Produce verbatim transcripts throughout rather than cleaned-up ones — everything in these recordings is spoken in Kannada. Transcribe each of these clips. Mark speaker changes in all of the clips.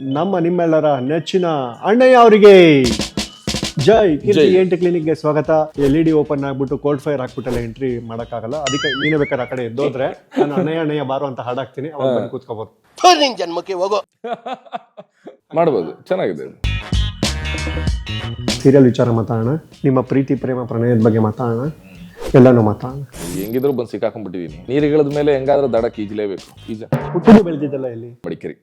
Speaker 1: ನಮ್ಮ ನಿಮ್ಮೆಲ್ಲರ ನೆಚ್ಚಿನ ಅಣ್ಣಯ್ಯ ಅವರಿಗೆ ಜೈ ಕೀರ್ತಿ ಎಂಟು ಕ್ಲಿನಿಕ್ಗೆ ಸ್ವಾಗತ. ಎಲ್ ಇ ಡಿ ಓಪನ್ ಆಗ್ಬಿಟ್ಟು ಕೋಲ್ಡ್ ಫೈರ್ ಹಾಕ್ಬಿಟ್ಟಲ್ಲ ಎಂಟ್ರಿ ಮಾಡೋಕ್ಕಾಗಲ್ಲ, ಅದಕ್ಕೆ ನೀನೇ ಬೇಕಾದ್ರೆ ಆ ಕಡೆ ಎದ್ದೋದ್ರೆ ನಾನು ಅಣ್ಣಯ್ಯ ಅಣ್ಣಯ್ಯ ಬಾರು ಅಂತ ಹಾಡಾಕ್ತೀನಿ, ಅವಾಗ ಬಂದು ಕೂತ್ಕೋಬೋದು.
Speaker 2: ಜನ್ಮಕ್ಕೆ ಹೋಗೋ
Speaker 3: ಮಾಡ್ಬೋದು, ಚೆನ್ನಾಗಿದೆ.
Speaker 1: ಸೀರಿಯಲ್ ವಿಚಾರ ಮಾತಾಡೋಣ, ನಿಮ್ಮ ಪ್ರೀತಿ ಪ್ರೇಮ ಪ್ರಣಯದ ಬಗ್ಗೆ ಮಾತಾಡೋಣ, ಎಲ್ಲಾನು ಮಾತಾಡೋಣ.
Speaker 3: ಹೆಂಗಿದ್ರು ಬಂದು ಸಿಕ್ಕಾಕೊಂಡ್ಬಿಟ್ಟಿದೀನಿ. ನೀರುಗಳದ ಮೇಲೆ ಹೆಂಗಾದ್ರೂ ದಡಕ್ಕೆ ಈಜಲೇಬೇಕು. ಈಜ
Speaker 1: ಹುಟ್ಟಿದು ಬೆಳೆದಿದ್ದಲ್ಲ ಇಲ್ಲಿ
Speaker 3: ಮಡಿಕೇರಿ.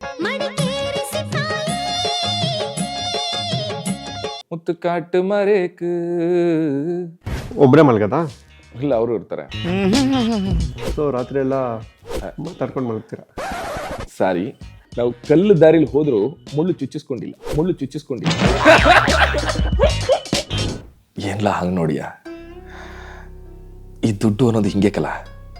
Speaker 3: ಮುತ್ತು ಕಾಟು ಮರೇಕ್
Speaker 1: ಒಬ್ಬರೇ ಮಲ್ಗದ
Speaker 3: ಇಲ್ಲ, ಅವರು ಇರ್ತಾರೆ.
Speaker 1: ಸೊ ರಾತ್ರಿ ಎಲ್ಲ ಮಾತಾಡ್ಕೊಂಡು ಮಲಗ್ತೀರ.
Speaker 3: ಸಾರಿ, ನಾವು ಕಲ್ಲು ದಾರಿಲಿ ಹೋದ್ರು ಮುಳ್ಳು ಚುಚ್ಚಿಸ್ಕೊಂಡಿಲ್ಲ, ಮುಳ್ಳು ಚುಚ್ಚಿಸ್ಕೊಂಡಿಲ್ಲ. ಏನ್ಲ ಹಂಗ್ ನೋಡಿಯಾ, ಈ ದುಡ್ಡು ಅನ್ನೋದು ಹಿಂಗೆ ಕಲ,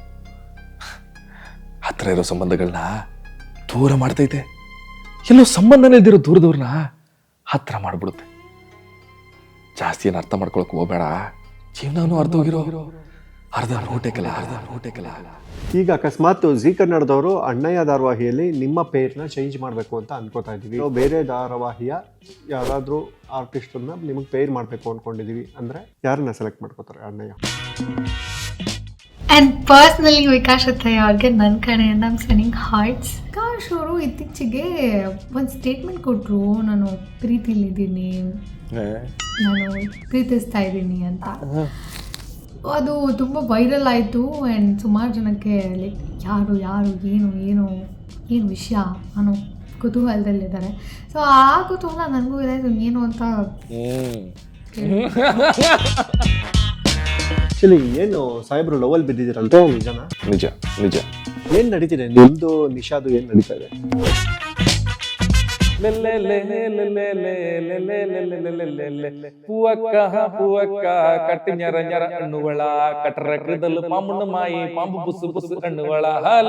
Speaker 3: ಹತ್ರ ಇರೋ ಸಂಬಂಧಗಳನ್ನ ದೂರ ಮಾಡ್ತೈತೆ, ಎಲ್ಲೋ ಸಂಬಂಧನೇ ಇದ್ದಿರೋ ದೂರದವ್ರನ್ನ ಹತ್ರ ಮಾಡ್ಬಿಡುತ್ತೆ. ಜಾಸ್ತಿ ಏನು ಅರ್ಥ ಮಾಡ್ಕೊಳಕ್ ಹೋಗ್ಬೇಡ, ಜೀವನನೂ ಅರ್ಧ ಹೋಗಿರೋ ಅರ್ಧ ನೋಟೆ ಕಲ, ಅರ್ಧ ನೋಟೆ ಕಲ.
Speaker 1: ಈಗ ಅಕಸ್ಮಾತ್ ಜಿ ಕನ್ನಡದವರು ಅಣ್ಣಯ್ಯ ಧಾರಾವಾಹಿಯಲ್ಲಿ ನಿಮ್ಮ ಪೇರ್ನ ಚೇಂಜ್ ಮಾಡಬೇಕು ಅಂತ ಅನ್ಕೋತಾ ಇದ್ದೀವಿ. ಬೇರೆ ಧಾರಾವಾಹಿಯ ಯಾರಾದರೂ ಆರ್ಟಿಸ್ಟನ್ನ ನಿಮಗೆ ಪೇರ್ ಮಾಡಬೇಕು ಅಂದ್ಕೊಂಡಿದ್ದೀವಿ ಅಂದರೆ ಯಾರನ್ನ ಸೆಲೆಕ್ಟ್ ಮಾಡ್ಕೋತಾರೆ ಅಣ್ಣಯ್ಯ?
Speaker 4: ಆ್ಯಂಡ್ ಪರ್ಸ್ನಲಿ ವಿಕಾಶ್ ಅತ್ತಯ್ಯ ಅವ್ರಿಗೆ ನನ್ನ ಕಡೆಯಿಂದ ಐಮ್ ಸೆಂಡಿಂಗ್ ಹಾರ್ಟ್ಸ್. ವಿಕಾಶ್ ಅವರು ಇತ್ತೀಚೆಗೆ ಒಂದು ಸ್ಟೇಟ್ಮೆಂಟ್ ಕೊಟ್ಟರು, ನಾನು ಪ್ರೀತಿಲಿದ್ದೀನಿ, ನಾನು ಪ್ರೀತಿಸ್ತಾ ಇದ್ದೀನಿ ಅಂತ. ಅದು ತುಂಬ ವೈರಲ್ ಆಯಿತು ಆ್ಯಂಡ್ ಸುಮಾರು ಜನಕ್ಕೆ ಲೈಕ್ ಯಾರು ಯಾರು ಏನು ಏನು ಏನು ವಿಷಯ ಅನ್ನೋ ಕುತೂಹಲದಲ್ಲಿದ್ದಾರೆ. ಸೊ ಆ ಕುತೂಹಲ ನನಗೂ ಇದೆ, ಏನು ಅಂತ.
Speaker 1: ಆಕ್ಚುಲಿ ಏನು ಸಾಹೇಬ್ರು ಲವಲ್ ಬಿದ್ದಿದ್ದೀರಲ್ವ, ನಿಜನಾ?
Speaker 3: ನಿಜ ನಿಜ.
Speaker 1: ಏನು ನಡೀತಿದೆ ನಿಮ್ಮದು ನಿಶಾದು, ಏನು ನಡೀತಾ ಇದೆ?
Speaker 3: ಪೂವಕ್ಕ ಪೂವಕ್ಕ ಕಟ್ಟಿ ñರ ñರ ಹಣ್ಣುಗಳ ಕಟ್ರಕದಲ್ಲಿ ಪಾಂಬುಣ್ಣ ಮಾಯಿ ಪಾಂಬು ಬುಸು ಬುಸು ಹಣ್ಣುಗಳ.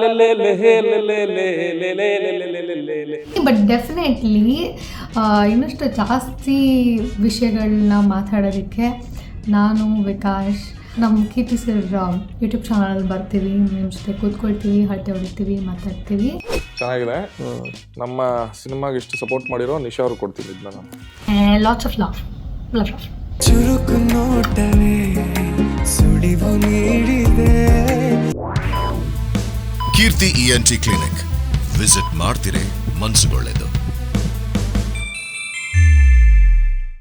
Speaker 4: ಬಟ್ ಡೆಫಿನೆಟ್ಲಿ ಇನ್ನಷ್ಟು ಜಾಸ್ತಿ ವಿಷಯಗಳನ್ನ ಮಾತಾಡೋದಕ್ಕೆ ನಾನು ವಿಕಾಶ್ ನಮ್ಮ ಕೀರ್ತಿ ಸರ್ ಯೂಟ್ಯೂಬ್ ಚಾನಲ್ ಬರ್ತೀವಿ, ನಿಮ್ಮ ಜೊತೆ ಕೂತ್ಕೊಳ್ತೀವಿ, ಹರಟೆ ಹೊಡಿತೀವಿ, ಮಾತಾಡ್ತೀವಿ.
Speaker 3: ಚೆನ್ನಾಗಿದೆ. ನಮ್ಮ ಸಿನಿಮಾಗೆ ಇಷ್ಟು ಸಪೋರ್ಟ್ ಮಾಡಿರೋ ನಿಶಾ ಅವ್ರು ಕೊಡ್ತೀನಿ ಇದನ್ನ.
Speaker 4: ಲಾಟ್ಸ್ ಆಫ್ ಲವ್ ಲವ್
Speaker 5: ಚುರುಕು ನೋಟವೇ ಸುಳಿವು ನೀಡಿದೆ.
Speaker 6: Keerthi E N T clinic visit ಮಾಡ್ತಿರೇ ಮನ್ಸುಗೊಳ್ಳೆದು.